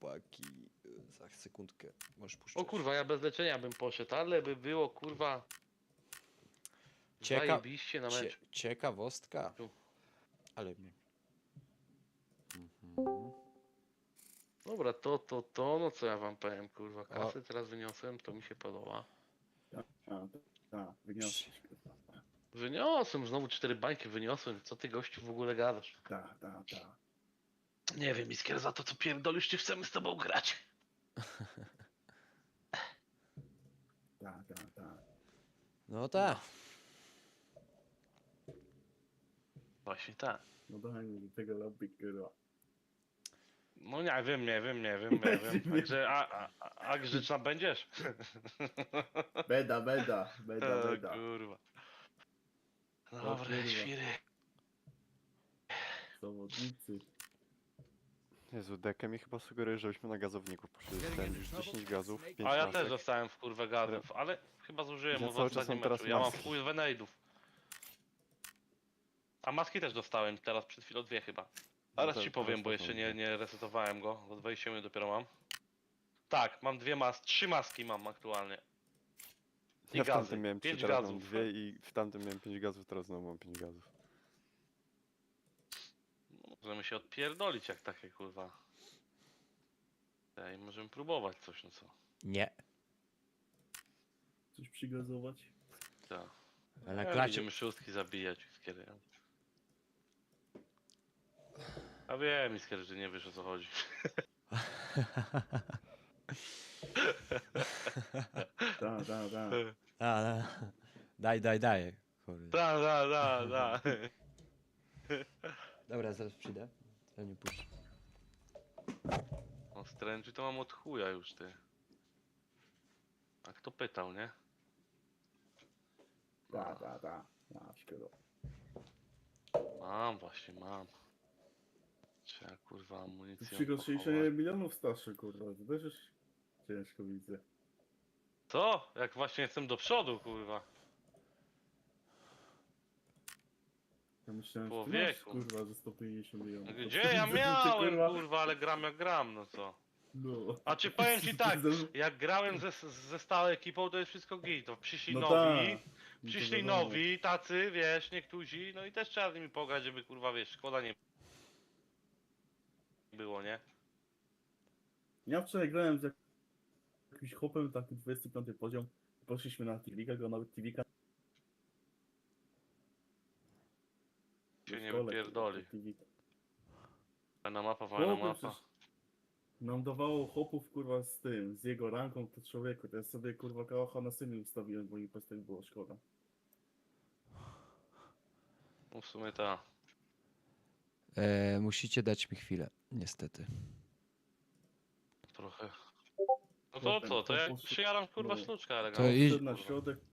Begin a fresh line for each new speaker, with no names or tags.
chłopaki. Za sekundkę. Możesz puszczać.
O kurwa, ja bez leczenia bym poszedł, ale by było kurwa. Zajebiście na mecz.
Ciekawostka.
Tu.
Ale mnie. Mhm.
Dobra, no co ja wam powiem, kurwa. Kasę teraz wyniosłem, to mi się podoba.
Wyniosłeś, kurwa.
Wyniosłem, znowu 4 bańki wyniosłem. Co ty gościu w ogóle gadasz?
Tak.
Nie wiem, Iskier, za to co pierdolisz, czy chcemy z tobą grać?
Tak.
No tak.
Właśnie tak.
No daj mi do tego lobby, kurwa.
No nie wiem. Także, a grzeczna będziesz?
Beda.
O, kurwa. Dobra,
kurwa.
świry.
Zawodnicy.
Jezu, Deke mi chyba sugeruje, żebyśmy na gazowniku poszli. Dostałem już 10 gazów, 5
A ja
masek.
też dostałem w kurwę gazów, ale chyba zużyłem
Ja
mu w
cały czas
ostatnim
mam teraz
meczu. Ja mam
maski.
w chuj wenejdów. A maski też dostałem teraz przed chwilą 2 chyba. Zaraz
to-
ci powiem,
teraz
bo
też
jeszcze
mam
nie resetowałem go. Od 20 dopiero mam. Tak, mam 3 maski mam aktualnie. I
Ja w
gazy.
tamtym miałem 3,
5
teraz mam
gazów.
2 i w tamtym miałem 5 gazów, teraz znowu mam 5 gazów.
Możemy się odpierdolić jak takie kurwa. I możemy próbować coś, no co.
Nie.
Coś przygazować?
Tak.
Ale
Nie,
klacie.
Będziemy szóstki zabijać, Iskiery. A wiem, Iskier, że nie wiesz o co chodzi.
Tak.
A, daj. Kurde.
Da.
Dobra, zaraz przyjdę. Ja nie puszczę.
O stręczy to mam od chuja już, ty. A kto pytał, nie?
Tak. Szkoda.
Mam. Trzeba kurwa amunicję
Przy 60
pochować.
milionów starszy, kurwa. To też już ciężko widzę.
Co? Jak właśnie jestem do przodu, kurwa.
Ja myślałem, że ty
Człowieku.
masz, kurwa, ze 150 milionów.
Gdzie ja miałem, kurwa, ale gram jak gram, no co?
No.
A czy powiem ci tak, jak grałem ze stałą ekipą, to jest wszystko git. To przyszli
No
nowi,
tak. No to
przyszli
wiadomo.
nowi, tacy, wiesz, niektórzy, no i też trzeba z nimi pograć, żeby kurwa, wiesz, szkoda nie było, nie?
Ja wczoraj grałem z jakimś chłopem, taki 25 poziom. Poszliśmy na Tivika, go nawet Tivika.
Się nie wypierdoli. Fajna mapa.
Nam dawało chłopów, kurwa, z tym, z jego ranką, to człowieku. To ja sobie, kurwa, kałacha na symi ustawiłem, bo mi po prostu było szkoda.
No w sumie ta.
Musicie dać mi chwilę, niestety.
Trochę. No to co, to ja przyjaram kurwa
No.
sztuczka
To
elegancka.
idź-
Wszedł na środek,